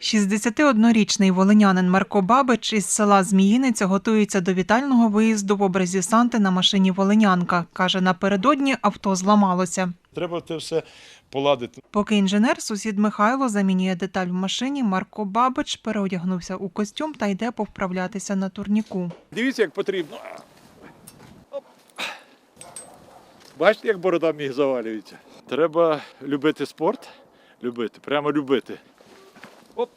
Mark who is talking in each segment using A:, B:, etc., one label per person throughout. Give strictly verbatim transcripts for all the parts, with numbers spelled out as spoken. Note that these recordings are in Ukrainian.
A: шістдесятиоднорічний волинянин Марко Бабич із села Зміїниця готується до вітального виїзду в образі Санти на машині «Волинянка». Каже, напередодні авто зламалося.
B: Треба це все поладити.
A: Поки інженер, сусід Михайло, замінює деталь в машині, Марко Бабич переодягнувся у костюм та йде повправлятися на турніку.
B: Дивіться, як потрібно. Оп. Бачите, як борода міг завалюється? Треба любити спорт. Любити, прямо любити. Оп.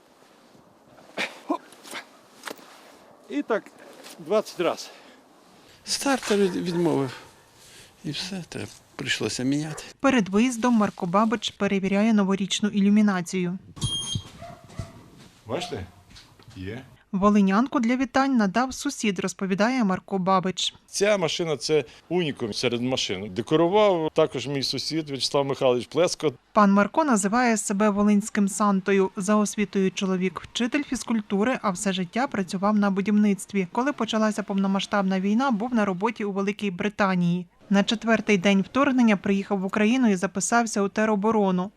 B: Оп. І так двадцять разів.
C: Стартер відмовив. І все, треба прийшлося міняти.
A: Перед виїздом Марко Бабич перевіряє новорічну ілюмінацію.
B: Бачите? Є.
A: Волинянку для вітань надав сусід, розповідає Марко Бабич.
B: Ця машина – це унікум серед машин. Декорував також мій сусід В'ячеслав Михайлович Плеско.
A: Пан Марко називає себе волинським Сантою. За освітою чоловік – вчитель фізкультури, а все життя працював на будівництві. Коли почалася повномасштабна війна, був на роботі у Великій Британії. На четвертий день вторгнення приїхав в Україну і записався у тероборону.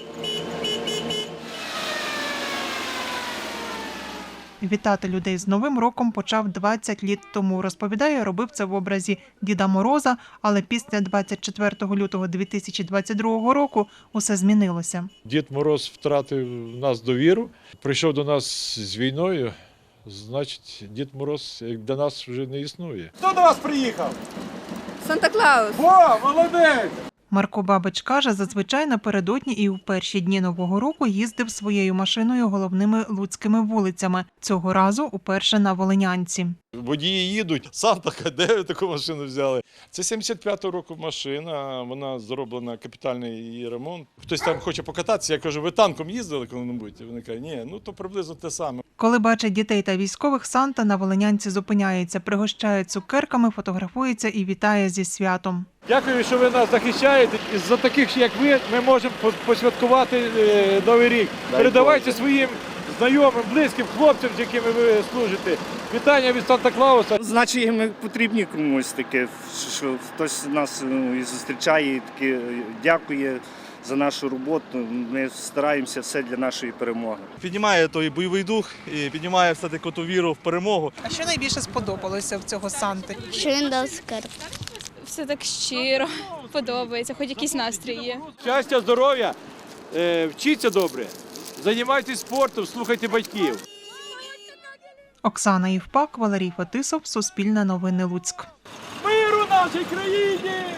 A: Вітати людей з Новим роком почав двадцять літ тому. Розповідає, робив це в образі Діда Мороза, але після двадцять четвертого лютого дві тисячі двадцять другого року усе змінилося.
B: Дід Мороз втратив в нас довіру, прийшов до нас з війною, значить Дід Мороз для нас вже не існує.
D: Хто до вас приїхав?
E: Санта-Клаус.
D: О, молодець!
A: Марко Бабич каже, зазвичай напередодні і у перші дні Нового року їздив своєю машиною головними луцькими вулицями. Цього разу уперше на Волинянці.
B: Водії їдуть, Санта, де ви таку машину взяли? Це сімдесят п'ятого року машина, вона зроблена, капітальний її ремонт. Хтось там хоче покататися, я кажу, ви танком їздили коли-небудь? Вони кажуть, ні, ну то приблизно те саме.
A: Коли бачать дітей та військових, Санта на Волинянці зупиняється, пригощає цукерками, фотографується і вітає зі святом.
D: Дякую, що ви нас захищаєте. Із-за таких, як ви, ми можемо посвяткувати Новий рік. Передавайте своїм знайомим, близьким хлопцям, з якими ви служите. Вітання від Санта-Клауса.
F: Значить, ми потрібні комусь таке, що хтось нас ну, і зустрічає, і таке дякує за нашу роботу. Ми стараємося все для нашої перемоги.
G: Піднімає той бойовий дух і піднімає все-таки ту віру в перемогу.
A: А що найбільше сподобалося в цього Санти?
H: Що він дав скарб.
E: Все так щиро, подобається, хоч якийсь настрій є.
D: Щастя, здоров'я, вчіться добре, займайтесь спортом, слухайте батьків.
A: Оксана Євпак, Валерій Фетисов, Суспільне новини Луцьк.
D: Миру нашій країні!